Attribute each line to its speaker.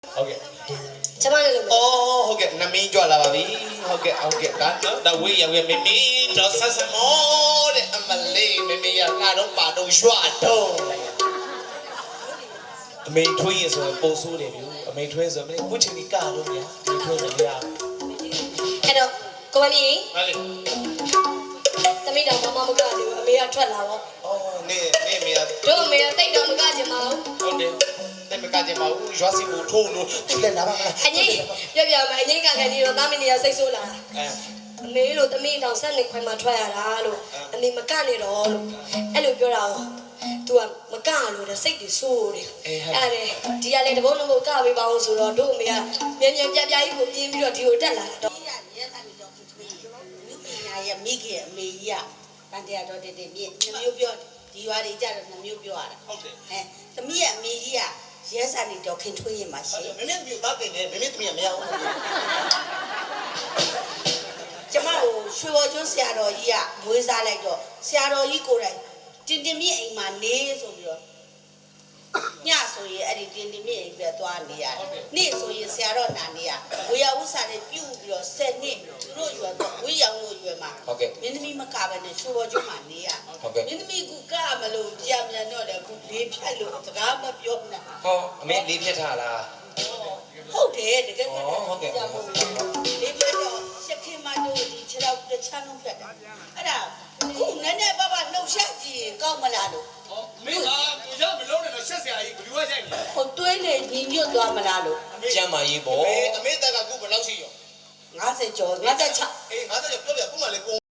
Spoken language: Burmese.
Speaker 1: Okay.
Speaker 2: Oh, okay. Nami jual lah babi. Okay, okay. Dah we ya we mimi dosa semua de amale mimi ya na dong pa dong shua dong. Amei thui so po so de biu. Amei thui so amei ku chin ni ka dong ya. Amei thui so ya.
Speaker 3: Hello, ကိုမမီ
Speaker 2: Ha le.
Speaker 3: သမီးတော်မမမကတယ်အမေကထွက်လာတော့
Speaker 2: Oh, ne me ya.
Speaker 3: တို့အမေကတိတ်တော့မကချင်ပါဘူး
Speaker 2: Okay. Te me ka je ma u jua si bu thu nu. Tu le na ba ma.
Speaker 3: အငိမ့်ပြမအငိမ့်ကခံနေတော့သားမင်းနေရစိတ်ဆိုးလာ အမေလို့သမီးတောင်ဆက်နေခွင်မှာထွက်ရတာလို့အမေမကနေတော့လို့အဲ့လိုပြောတာကို तू ကမကလို့တဲ့စိတ်တွေဆိုးတယ်အဲ့ဒါဒီကလည်းတဘုံလုံးကိုကပေးပါအောင်ဆိုတော့တို့အမေကမြန်မြန်ပြပြကြီးကိုပြင်းပြီးတော့ဒီကိုတက်လာတော့
Speaker 4: ရဲ့မိခင်အမေကြီးကတန်တရားတော်တည်တည်မြင့်နှမျိုးပြောဒီရွာတွေကြတော့နှမျိုးပြောရတာ
Speaker 2: ဟုတ်တယ်
Speaker 4: သမီးရဲ့အမေကြီးကရဲစာနေတော့ခင်ထွေးရင်မှာရှင်
Speaker 2: မမေမြို့သားတင်နေမမေသမီးမရဘူး
Speaker 4: ကျမတို့ရွှေဘော်ကျွန်းဆရာတော်ကြီးကမွေးစားလိုက်တော့ဆရာတော်ကြီးကိုယ်တိုင်တင်တင်မြင့်အိမ်မှာနေဆိုပြီးတော့ညဆိုရင်အဲ့ဒီတင်တင်မြင့်အိမ်ပဲသွားနေရတယ်နေ့ဆိုရင်ဆရာတော်နာနေရဝေယဥစ္စာတွေပြုတ်ပြီးတော့10နှစ်သူတို့ရွယ်တော့ဝေယံလို့ရွယ်မှာမင်းသမီးမကပဲနဲ့ရွှေဘော်ကျွန်းမှာနေရမင်းသမီးကကမလို့ကြာမြန်တော့လေခုလေးဖြတ်လို့စကားမပြောနဲ့
Speaker 2: ဟောအမေလေးဖြတ်ထားလား
Speaker 4: ဟုတ်တယ်တကယ်
Speaker 2: ဟုတ်ကဲ့
Speaker 4: လေးဖြတ်တော့ရှက်ခင်မတို့ဒီခြေတော့တချမ်းလုံးဖြတ်တာအဲ့ဒါခုနည်းနည်းပါးပါနှုတ်ဆက်ကြည့်ကောက်မလားလို့
Speaker 1: မင်းကကိုရောက်မလုံးနဲ့တော့ရှက်စရာကြီးဘယ်လိုရိုက်နေ
Speaker 4: ဟိုတွေးနေညီညွတ်သွားမလားလို့
Speaker 2: ကျမ်းမာရေးပေါ့အမေတက်ကခုဘယ်လောက်ရှိရော
Speaker 4: 50ကျော်56
Speaker 2: အေး50ကျော်ပြောပြခုမှလေကို